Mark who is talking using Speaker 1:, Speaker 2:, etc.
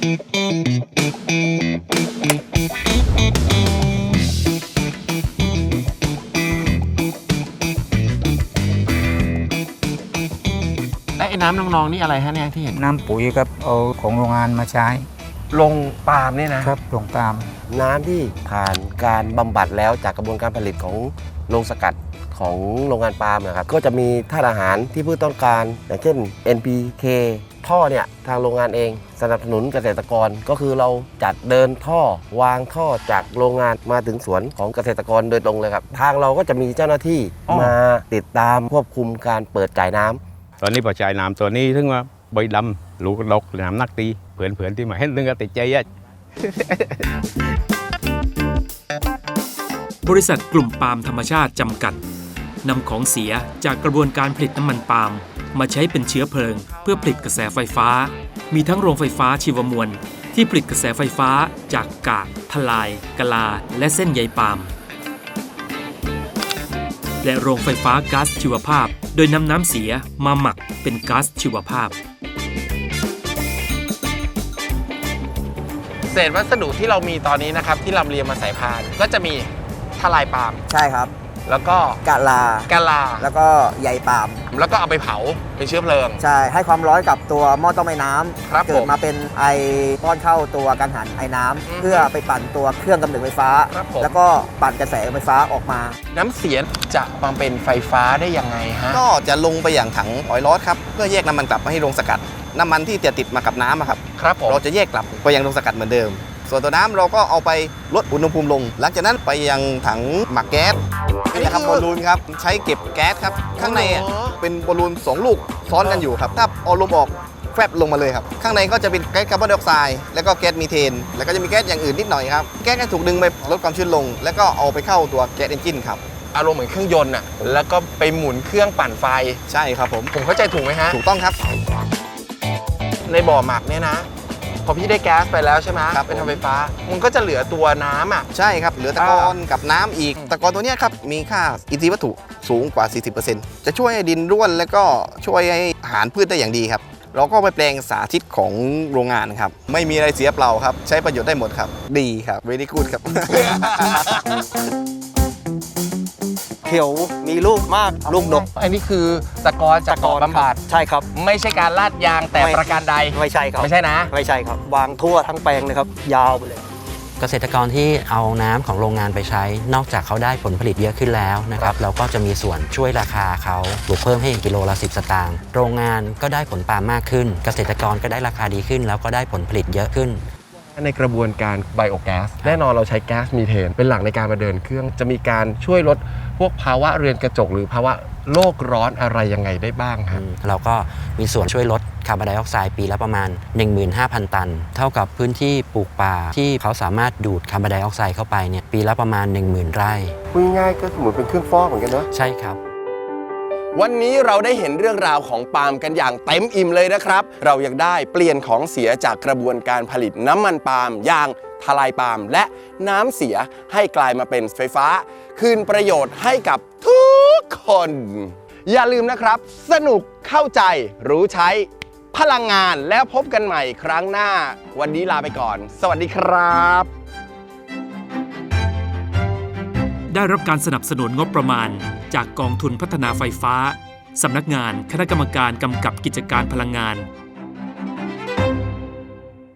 Speaker 1: ไอ้น้ำนองๆนี่อะไรฮะเนี่ยที่เห็น
Speaker 2: น้ำปุ๋ยครับเอาของโรงงานมาใช้
Speaker 1: ลงปาล์มเนี่ยนะครับ
Speaker 2: ลงปาล์ม
Speaker 3: น้ำที่ผ่านการบำบัดแล้วจากกระบวนการผลิตของโรงสกัดของโรงงานปาล์มนะครับก็จะมีธาตุอาหารที่พืชต้องการอย่างเช่น NPK ท่อเนี่ยทางโรงงานเองสนับสนุนเกษตรกรก็คือเราจัดเดินท่อวางท่อจากโรงงานมาถึงสวนของเกษตรกรโดยตรงเลยครับทางเราก็จะมีเจ้าหน้าที่มาติดตามควบคุมการเปิดจ่ายน้ำ
Speaker 4: ตอนนี้พอจ่ายน้ำตัวนี้ถึงว่าใบดำลูกดกน้ำนักตีเผื่อนที่มาเห็นนึงก็ติดใจอ่ะ
Speaker 5: บริษัทกลุ่มปาล์มธรรมชาติจำกัดนำของเสียจากกระบวนการผลิตน้ำมันปาล์มมาใช้เป็นเชื้อเพลิงเพื่อผลิตกระแสไฟฟ้ามีทั้งโรงไฟฟ้าชีวมวลที่ผลิตกระแสไฟฟ้าจากกากทลายกะลาและเส้นใยปาล์มและโรงไฟฟ้าก๊าซชีวภาพโดยนำน้ำเสียมาหมักเป็นก๊าซชีวภาพ
Speaker 1: เศษวัสดุที่เรามีตอนนี้นะครับที่ลำเลียงมาใส่พานก็จะมีทลายปาล์ม
Speaker 6: ใช่ครับ
Speaker 1: แล้วก็
Speaker 6: กะลาแล้วก็ใยปาล์ม
Speaker 1: แล้วก็เอาไปเผาเป็นเชื้อเพลิง
Speaker 6: ใช่ให้ความร้อนกับตัวหม้อต้มไอ้น้
Speaker 1: ำ
Speaker 6: เกิดมาเป็นไอป้อนเข้าตัวกังหันไอ้น้ำเพื่อไปปั่นตัวเครื่องกำเนิดไฟฟ้าแล้วก็ปั่นกระแสไฟฟ้าออกมา
Speaker 1: น้ำเสียจะมาเป็นไฟฟ้าได้ยังไงฮะ
Speaker 7: ก็จะลงไปอย่างถังออยล์ลอสครับเพื่อแยกน้ำมันกลับมาให้โรงสกัดน้ำมันที่จะติดมากับน้ำครับเราจะแยกกลับไปยังโรงสกัดเหมือนเดิมส่วนตัวน้ำเราก็เอาไปลดอุณหภูมิลงหลังจากนั้นไปยังถังหมักแก๊สนี่นะครับบอลลูนครับใช้เก็บแก๊สครับข้างในเป็นบอลลูน2ลูกซ้อนกันอยู่ครับถ้าเอาลมออกแฟบลงมาเลยครับข้างในก็จะเป็นแก๊สคาร์บอนไดออกไซด์แล้วก็แก๊สมีเทนแล้วก็จะมีแก๊สอย่างอื่นนิดหน่อยครับแก๊สถูกดึงไปลดความชื้นลงแล้วก็เอาไปเข้าตัวแก๊สเอนจินครับ
Speaker 1: อารมณ์เหมือนเครื่องยนต์อ่ะแล้วก็ไปหมุนเครื่องปั่นไฟ
Speaker 7: ใช่ครับผม
Speaker 1: เข้าใจถูกไหมฮะ
Speaker 7: ถูกต้องครับ
Speaker 1: ในบ่อหมักเนี่ยนะพอพี่ได้แก๊สไปแล้วใช่ไหมไปทำไฟฟ้ามันก็จะเหลือตัวน้ำอ่ะ
Speaker 7: ใช่ครับเหลือตะกอนกับน้ำอีกตะกอนตัวนี้ครับมีค่าอินทรีย์วัตถุสูงกว่า 40% จะช่วยให้ดินร่วนแล้วก็ช่วยให้อาหารพืชได้อย่างดีครับเราก็ไปแปลงสาธิตของโรงงานครับไม่มีอะไรเสียเปล่าครับใช้ประโยชน์ได้หมดครับดีครับเวรี่กู๊ดครับ
Speaker 6: เขียวมีลูกมากลูกดก
Speaker 1: อันนี้คือตะกอนจากบ่อบำบัด
Speaker 6: ใช่ครับ
Speaker 1: ไม่ใช่การลาดยางแต่ประการใด
Speaker 6: ไม่ใช่ครับ
Speaker 1: ไม่ใช่นะ
Speaker 6: ไม่ใช่ครับวางทั่วทั้งแปลงเลยครับยาวไปเลย
Speaker 8: เกษตรกรที่เอาน้ำของโรงงานไปใช้นอกจากเขาได้ผลผลิตเยอะขึ้นแล้วนะครับเราก็จะมีส่วนช่วยราคาเขาปลูกเพิ่มให้กิโลละ10 สตางค์โรงงานก็ได้ผลปาล์มมากขึ้นเกษตรกรก็ได้ราคาดีขึ้นแล้วก็ได้ผลผลิตเยอะขึ้น
Speaker 1: ในกระบวนการไบโอแก๊สแน่นอนเราใช้แก๊สมีเทนเป็นหลักในการมาเดินเครื่องจะมีการช่วยลดพวกภาวะเรือนกระจกหรือภาวะโลกร้อนอะไรยังไงได้บ้างครับ
Speaker 8: เราก็มีส่วนช่วยลดคาร์บอนไดออกไซด์ปีละประมาณ 15,000 ตันเท่ากับพื้นที่ปลูกป่าที่เขาสามารถดูดคาร์บอนไดออกไซด์เข้าไปเนี่ยปีละประมาณ 10,000 ไร่
Speaker 3: พูดง่ายๆก็เหมือนเป็นเครื่องฟอกเหมือนกันเนอะ
Speaker 8: ใช่ครับ
Speaker 1: วันนี้เราได้เห็นเรื่องราวของปาล์มกันอย่างเต็มอิ่มเลยนะครับเรายังได้เปลี่ยนของเสียจากกระบวนการผลิตน้ำมันปาล์มอย่างทลายปาล์มและน้ำเสียให้กลายมาเป็นไฟฟ้าคืนประโยชน์ให้กับทุกคนอย่าลืมนะครับสนุกเข้าใจรู้ใช้พลังงานแล้วพบกันใหม่ครั้งหน้าวันนี้ลาไปก่อนสวัสดีครับ
Speaker 5: ได้รับการสนับสนุนงบประมาณจากกองทุนพัฒนาไฟฟ้าสำนักงานคณะกรรมการกำกับกิจการพลังงาน